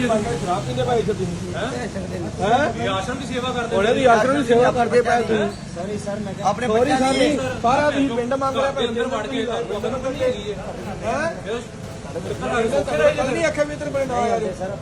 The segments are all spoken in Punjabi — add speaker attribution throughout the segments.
Speaker 1: शराब पींदे भाई इधर तुम हैं
Speaker 2: आश्रम की सेवा करते
Speaker 1: ਉਹਨੇ ਦੀ ਆਸ਼ਰਮ ਦੀ ਸੇਵਾ ਕਰਦੇ ਪਏ ਤੁਸੀਂ
Speaker 3: सॉरी सर मैं
Speaker 1: ਆਪਣੇ ਬੱਚਿਆਂ ਦੀ ਸਾਰਾ ਤੁਸੀਂ ਪਿੰਡ ਮੰਗ ਰਿਹਾ ਭਾਈ
Speaker 2: ਅੰਦਰ ਵੜ ਕੇ ਉਧਰ ਨੂੰ ਕੱਢੀ ਹੈਗੀ ਹੈ
Speaker 1: ਨਹੀਂ ਅੱਖੇ ਵੀ ਤੇਰੇ ਬੜੇ ਨਾ ਯਾਰ
Speaker 3: सर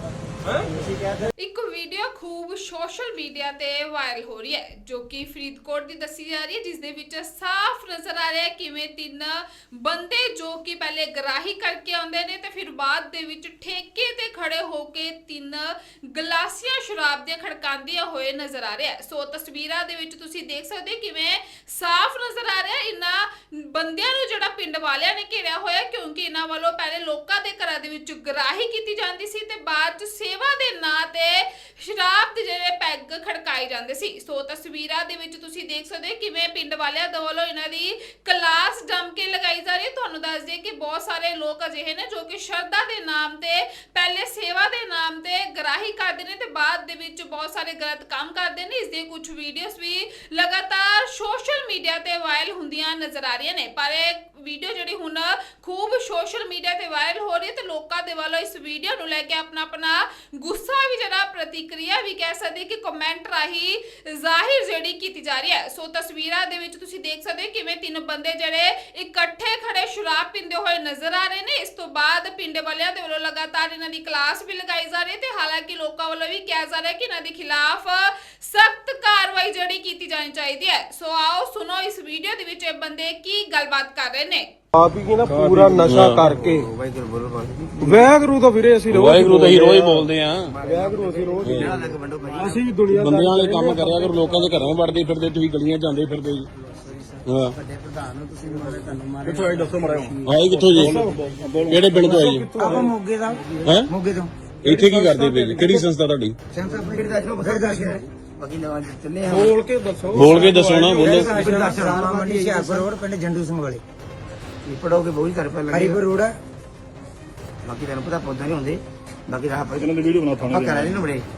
Speaker 4: ਇੱਕ ਵੀਡੀਓ ਖੂਬ ਸੋਸ਼ਲ ਮੀਡੀਆ ਤੇ ਵਾਇਰਲ ਹੋ ਰਹੀ ਹੈ ਜੋ ਕਿ ਫਰੀਦਕੋਟ ਦੀ ਦੱਸੀ ਜਾ ਰਹੀ ਹੈ ਜਿਸ ਦੇ ਵਿੱਚ ਸਾਫ਼ ਨਜ਼ਰ ਆ ਰਿਹਾ ਹੈ ਕਿਵੇਂ ਤਿੰਨ ਬੰਦੇ ਜੋ ਕਿ ਪਹਿਲੇ ਗਰਾਹੀ ਕਰਕੇ ਆਉਂਦੇ ਨੇ ਤੇ ਫਿਰ ਬਾਅਦ ਦੇ ਵਿੱਚ ਠੇਕੇ ਤੇ ਖੜੇ ਹੋ ਕੇ ਤਿੰਨ ਗਲਾਸੀਆਂ ਸ਼ਰਾਬ ਦੀਆਂ ਖੜਕਾਉਂਦੀਆਂ ਹੋਏ ਨਜ਼ਰ ਆ ਰਿਹਾ ਹੈ। ਸੋ ਤਸਵੀਰਾਂ ਦੇ ਵਿੱਚ ਤੁਸੀਂ ਦੇਖ ਸਕਦੇ ਹੋ ਕਿਵੇਂ ਸਾਫ਼ ਨਜ਼ਰ ਆ ਰਿਹਾ ਇਹਨਾਂ ਬੰਦਿਆਂ ਨੂੰ ਜਿਹੜਾ ਪਿੰਡ ਵਾਲਿਆਂ ਨੇ ਘੇਰਿਆ ਹੋਇਆ ਕਿਉਂਕਿ ਇਹਨਾਂ ਵੱਲੋਂ ਪਹਿਲੇ ਲੋਕਾਂ ਦੇ ਘਰਾਂ ਦੇ ਵਿੱਚ ਗਰਾਹੀ ਕੀਤੀ ਜਾਂਦੀ ਸੀ ਤੇ ਬਾਅਦ ਚ ਸੇਵਾ ਦੇ ਨਾਂ ਤੇ ਸ਼ਰਾਬ ਦੇ ਜਿਹੜੇ ਪੈਗ ਖੜਕਾਏ ਜਾਂਦੇ ਸੀ। ਸੋ ਤਸਵੀਰਾਂ ਦੇ ਵਿੱਚ ਤੁਸੀਂ ਦੇਖ ਸਕਦੇ ਹੋ ਕਿਵੇਂ ਪਿੰਡ ਵਾਲਿਆਂ ਦੇ ਵੱਲੋਂ ਇਹਨਾਂ ਦੀ ਕਲਾਸ ਜੰਮ ਕੇ ਲਗਾਈ ਜਾ ਰਹੀ ਹੈ। ਤੁਹਾਨੂੰ ਦੱਸ ਦਈਏ ਕਿ ਬਹੁਤ ਸਾਰੇ ਲੋਕ ਅਜਿਹੇ ਨੇ ਜੋ ਕਿ ਸ਼ਰਧਾ ਦੇ ਨਾਮ ਤੇ ਪਹਿਲੇ ਸੇਵਾ ਦੇ ਨਾਮ ਤੇ ਗਰਾਹੀ ਕਰਦੇ ਨੇ ਤੇ ਬਾਅਦ ਦੇ ਵਿੱਚ ਬਹੁਤ ਸਾਰੇ ਗਲਤ ਕੰਮ ਕਰਦੇ ਨੇ। ਇਸ ਦੀਆਂ ਕੁਝ ਵੀਡੀਓਜ਼ ਵੀ ਲਗਾਤਾਰ ਸੋਸ਼ਲ ਮੀਡੀਆ ਤੇ ਵਾਇਰਲ ਹੁੰਦੀਆਂ ਨਜ਼ਰ ਆ ਰਹੀਆਂ ਨੇ ਪਰ ਇਹ ਵੀਡੀਓ ਜਿਹੜੀ ਹੁਣ ਖੂਬ ਸੋਸ਼ਲ ਮੀਡੀਆ ਤੇ ਵਾਇਰਲ ਹੋ ਰਹੀ ਹੈ ਤੇ ਲੋਕਾਂ ਦੇ ਵੱਲੋਂ ਇਸ ਵੀਡੀਓ ਨੂੰ ਲੈ ਕੇ ਆਪਣਾ ਗੁੱਸਾ ਵੀ ਜਿਹੜਾ ਪ੍ਰਤੀਕਿਰਿਆ ਵੀ ਕਹਿ ਸਕਦੇ ਕਿ ਕਮੈਂਟ ਰਾਹੀਂ ਜ਼ਾਹਿਰ ਜਿਹੜੀ ਕੀਤੀ ਜਾ ਰਹੀ ਹੈ। ਸੋ ਤਸਵੀਰਾਂ ਦੇ ਵਿੱਚ ਤੁਸੀਂ ਦੇਖ ਸਕਦੇ ਹੋ ਕਿਵੇਂ ਤਿੰਨ ਬੰਦੇ ਜਿਹੜੇ ਇਕੱਠੇ ਖੜੇ ਸ਼ਰਾਬ ਪੀਂਦੇ ਹੋਏ ਨਜ਼ਰ ਆ ਰਹੇ ਨੇ। ਇਸ ਤੋਂ ਬਾਅਦ ਪਿੰਡ ਵਾਲਿਆਂ ਦੇ ਵੱਲੋਂ ਲਗਾਤਾਰ ਇਹਨਾਂ ਦੀ ਕਲਾਸ ਵੀ ਲਗਾਈ ਜਾ ਰਹੀ ਹੈ ਤੇ ਹਾਲਾਂਕਿ ਲੋਕਾਂ ਵੱਲੋਂ ਵੀ ਕਿਹਾ ਜਾ ਰਿਹਾ ਕਿ ਇਹਨਾਂ ਦੇ ਖਿਲਾਫ ਸਖਤ ਕਾਰਵਾਈ ਜਿਹੜੀ ਕੀਤੀ ਜਾਣੀ ਚਾਹੀਦੀ ਹੈ। ਸੋ ਆਓ ਸੁਣੋ ਇਸ ਵੀਡੀਓ ਦੇ ਵਿੱਚ ਇਹ ਬੰਦੇ ਕੀ ਗੱਲਬਾਤ ਕਰ ਰਹੇ ਨੇ।
Speaker 1: ਆਪ ਹੀ ਨਾ ਪੂਰਾ ਨਸ਼ਾ ਕਰਕੇ ਵੈਗਰੂ ਤਾਂ ਵੀਰੇ ਅਸੀਂ ਰੋਜ਼
Speaker 5: ਵਾਹਿਗੁਰੂ ਤਾਂ ਹੀ ਰੋਜ਼ ਬੋਲਦੇ ਆ।
Speaker 1: ਵੈਗਰੂ ਅਸੀਂ ਰੋਜ਼ ਅਸੀਂ ਵੀ ਦੁਨੀਆ
Speaker 5: ਬੰਦਿਆਂ ਵਾਲੇ ਕੰਮ ਕਰਿਆ ਕਰੋ, ਲੋਕਾਂ ਦੇ ਘਰਾਂ ਵੜਦੇ ਫਿਰਦੇ, ਤੁਸੀਂ ਗਲੀਆਂ ਜਾਂਦੇ ਫਿਰਦੇ ਜੀ। ਹਾਂ
Speaker 1: ਕਿੱਥੋਂ ਆਏ ਦੱਸੋ ਮੜਾਓ
Speaker 5: ਆਏ ਕਿੱਥੋਂ ਜੀ? ਕਿਹੜੇ ਪਿੰਡ ਤੋਂ ਆਏ ਜੀ?
Speaker 3: ਆਪਾਂ ਮੋਗੇ ਦਾ
Speaker 5: ਹੈ
Speaker 3: ਮੋਗੇ ਤੋਂ
Speaker 5: ਇੱਥੇ ਕੀ ਕਰਦੇ ਪਏ ਜੀ? ਕਿਹੜੀ ਸੰਸਥਾ ਤੁਹਾਡੀ?
Speaker 3: ਸੈਂਸਰ ਆਪਣੇ ਕਿਹੜੇ ਦੱਸੋ ਬਖਰ ਬਾਕੀ ਨਵਾਂ ਚੱਲੇ
Speaker 1: ਬੋਲ ਕੇ ਦੱਸੋ
Speaker 5: ਬੋਲ ਕੇ ਦੱਸੋ ਨਾ, ਬੋਲੋ।
Speaker 3: ਰਾਮਾ ਮੰਡੀ ਹਿਆਰਪੁਰ ਰੋਡ ਪਿੰਡ ਜੰਡੂ ਸਿੰਘ ਵਾਲੇ ਪੜੋਗੇ ਬਹੁਤ ਘਰ ਪੈ ਲੱਗੇ ਹਰੀਪੁਰ ਰੋਡ ਬਾਕੀ ਤੈਨੂੰ ਪਤਾ ਪੌਦਾ ਨਹੀਂ ਹੁੰਦੇ ਬਾਕੀ ਰਾਹ ਪਰ
Speaker 1: ਇਹਨਾਂ ਦੀ ਵੀਡੀਓ ਬਣਾ ਥਾਣੇ
Speaker 3: ਆਪਾਂ ਕਰਾ ਲੈਣ ਬੜੇ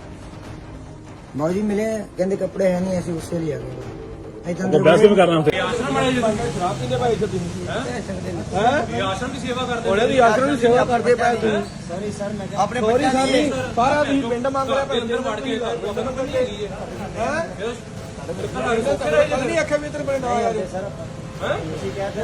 Speaker 3: ਬਾਜੀ ਮਿਲੇ ਕਹਿੰਦੇ ਕੱਪੜੇ ਹੈ ਨਹੀਂ ਅਸੀਂ ਉਸੇ ਲਈ ਆ ਗਏ
Speaker 1: ਬੈਸ ਵੀ ਕਰਨਾ ਹੁੰਦਾ
Speaker 2: ਆਸ਼ਰਮ ਵਾਲੇ
Speaker 1: ਸ਼ਰਾਬ ਪੀਂਦੇ ਭਾਈ ਇੱਧਰ ਤੁਸੀਂ
Speaker 2: हैं आश्रम की सेवा करते
Speaker 1: ਉਹਨੇ ਦੀ ਆਸ਼ਰਮ ਦੀ ਸੇਵਾ ਕਰਦੇ ਪਏ ਤੁਸੀਂ
Speaker 3: ਸੌਰੀ ਸਰ ਮੈਂ
Speaker 1: ਆਪਣੇ ਬੱਚਿਆਂ ਦੀ ਸਾਰਾ ਤੁਸੀਂ ਪਿੰਡ ਮੰਗ ਰਿਹਾ ਭਾਈ
Speaker 2: ਅੰਦਰ ਵੜ ਕੇ ਉਧਰ ਨੂੰ ਕੱਢੀ ਹੈਗੀ ਹੈ
Speaker 1: ਨਹੀਂ ਅੱਖੇ ਵੀ ਤੇਰੇ ਬੜੇ ਨਾ ਯਾਰ
Speaker 3: ਸਰ